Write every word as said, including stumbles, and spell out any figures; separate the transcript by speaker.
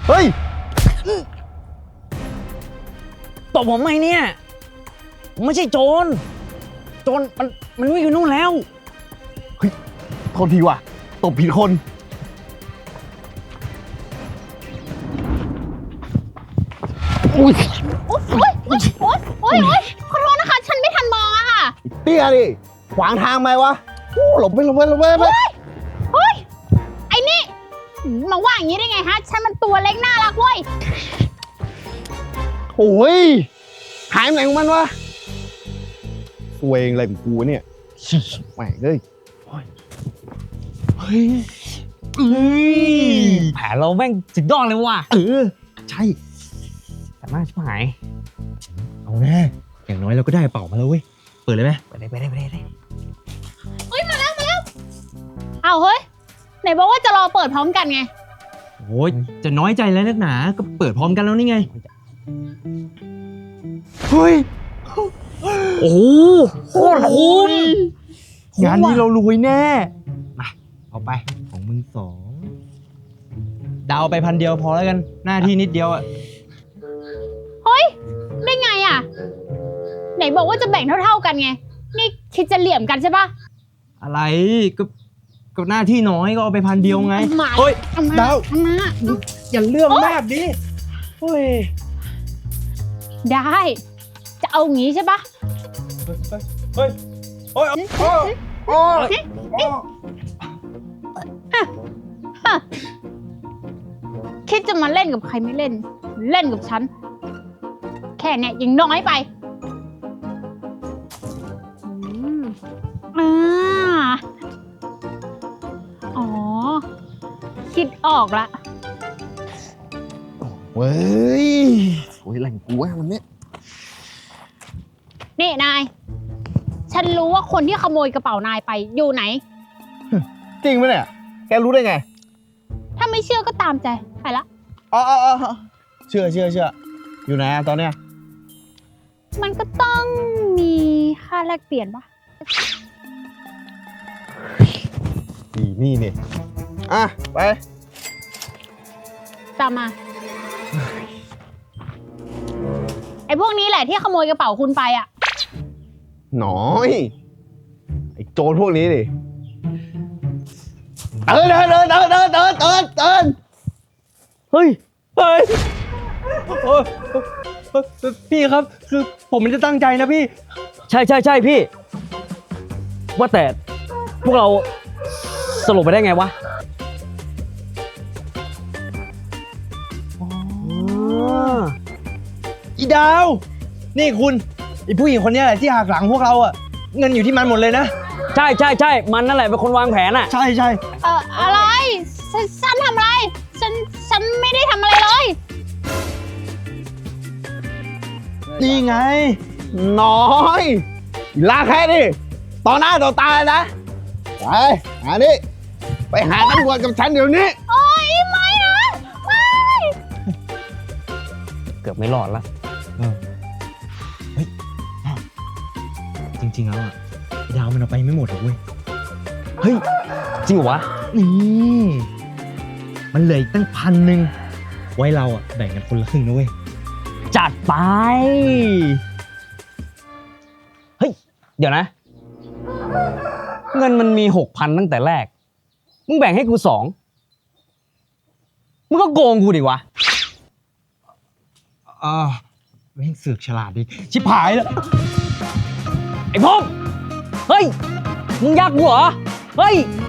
Speaker 1: เฮ้ย
Speaker 2: ตบผมไหมเนี่ยผมไม่ใช่โจรโจรมันมันวิ่งอยู่นู่นแล้ว
Speaker 1: เฮ้ยโทษทีว่ะตบผิดคนอุ้ย
Speaker 3: โอ๊ยโอ๊ยโอ๊ยโอ๊ยโอ๊ยโอ๊ยขอโทษนะคะฉันไม่ทันมองอะค่ะ
Speaker 1: เตี้ยดิขวางทางไหมวะโอ้หลบไปหลบไปหลบไปไป
Speaker 3: เฮ้ยไอ้นี่มาว่าอย่างนี้ได้ไงฮะฉันมันตัวเล็กน่ารักเว้ย
Speaker 1: โอ้ยหายไปไหนของมันวะตัวเองอะไรของกูเนี่ยแหม่งเลยเฮ้ยเอ้ย
Speaker 2: แผนเราแม่งสุดยอดเลยว่ะ
Speaker 1: เออใช่
Speaker 2: แต่น่าชิบหาย
Speaker 4: เอาแน่อย่างน้อยเราก็ได้เป่ามาแล้วเว้ยเปิดเลยไหม
Speaker 2: ไปเลยไปเลยไปเลยไปเลย
Speaker 3: เฮ้ยมาแล้วมาแล้วเอาเฮ้ยไหนบอกว่าจะรอเปิดพร้อมกันไง
Speaker 4: โอ้ยจะน้อยใจแล้วนักหนาก็เปิดพร้อมกันแล้วนี่ไง
Speaker 1: เฮ้ย
Speaker 2: โอ้โหโคตรคุ้ม
Speaker 4: งานนี้เรารวยแน่มาเอาไปของมึงสองดาวไปพันเดียวพอแล้วกันหน้าที่นิดเดียวอะ
Speaker 3: เฮ้ยได้ไงอะไหนบอกว่าจะแบ่งเท่าๆกันไงนี่คิดจะเหลี่ยมกันใช่ปะ
Speaker 4: อะไรก็ก็หน้าที่น้อยก็เอาไปพันเดียวไง
Speaker 3: หมา
Speaker 4: เฮ้ย
Speaker 3: ทำมา
Speaker 4: ดาว
Speaker 3: ทำมา
Speaker 4: อย่าเรื่องมากดิเฮ้ย
Speaker 3: ได้จะเอางี้ใช่ปะ
Speaker 4: เฮ้ยโอ้ยโอ้ยโอ้ยโอ้ย
Speaker 3: ฮะคิดจะมาเล่นกับใครไม่เล่น เล่นกับฉัน แค่เนี้ยยังน้อยไปอืมอ่าอ๋อ คิดออกละ
Speaker 1: เว้ยโอ้ยแหล่งกูว่ามันเนี่ย
Speaker 3: นี่นาย ฉันรู้ว่าคนที่ขโมยกระเป๋านายไปอยู่ไหน
Speaker 1: จริงไหมเนี่ยแกรู้ได้ไง
Speaker 3: ถ้าไม่เชื่อก็ตามใจ ไปละ
Speaker 1: อ๋ออ๋ออ๋อเชื่อเชื่อเชื่ออยู่ไหนอะตอนเนี้ย
Speaker 3: มันก็ต้องมีค่าแลกเปลี่ยนปะ
Speaker 1: นี่นี่นี่อ่ะไป
Speaker 3: ตามมา ไอ้พวกนี้แหละที่ขโมยกระเป๋าคุณไปอ่ะ
Speaker 1: หน้อยไอ้โจรพวกนี้ดิเดินเดินเดินเดินเดินเดินเดินเดิน
Speaker 2: เฮ้ย
Speaker 4: เฮ้ยโอ้ยพี่ครับคือผมไม่ได้ตั้งใจนะพี่
Speaker 2: ใช่ใช่ใช่พี่ ว่าแต่พวกเราสรุปไปได้ไงวะอ๋อ
Speaker 4: อีดาว นี่คุณไอผู้หญิงคนนี้แหละที่หักหลังพวกเราอะเงินอยู่ที่มันหมดเลยนะ
Speaker 2: ใช่ใช่ใช่มันนั่นแหละเป็นคนวางแผนอ่ะ
Speaker 4: ใช่ใช่
Speaker 3: เอ่ออะไรฉันฉันทำอะไร ฉัน ฉันไม่ได้ทำอะไรเลย
Speaker 4: นี่ไง
Speaker 1: น้อยลาแค่ดิต่อหน้าต่อตาเลยนะไปหานี่ไปหาตำรวจกับฉันเดี๋ยวนี้
Speaker 3: โอ๊ยไม่นะไม่
Speaker 2: เกือบไม่รอดละ
Speaker 4: เออเฮ้ยอ้าวจริงๆแล้วอะไอ้ดาวมันเอาไปไม่หมดหรอกเว้ย
Speaker 2: เฮ้ย จริงเหรอวะ
Speaker 4: นี่มันเหลืออีกตั้งพันหนึ่งไว้เราอะแบ่งกันคนละครึ่งนะเว้ย
Speaker 2: จัดไป เฮ้ย เดี๋ยวนะ เงินมันมีหกพันตั้งแต่แรก มึงแบ่งให้กูสอง มึงก็โกงกูดิวะ
Speaker 4: อ่าแม่งเสือกฉลาดดิ ชิบหายแล้ว
Speaker 2: ไอ้พงเฮ้ย มึงยักกูเหรอ เฮ้ย
Speaker 4: เ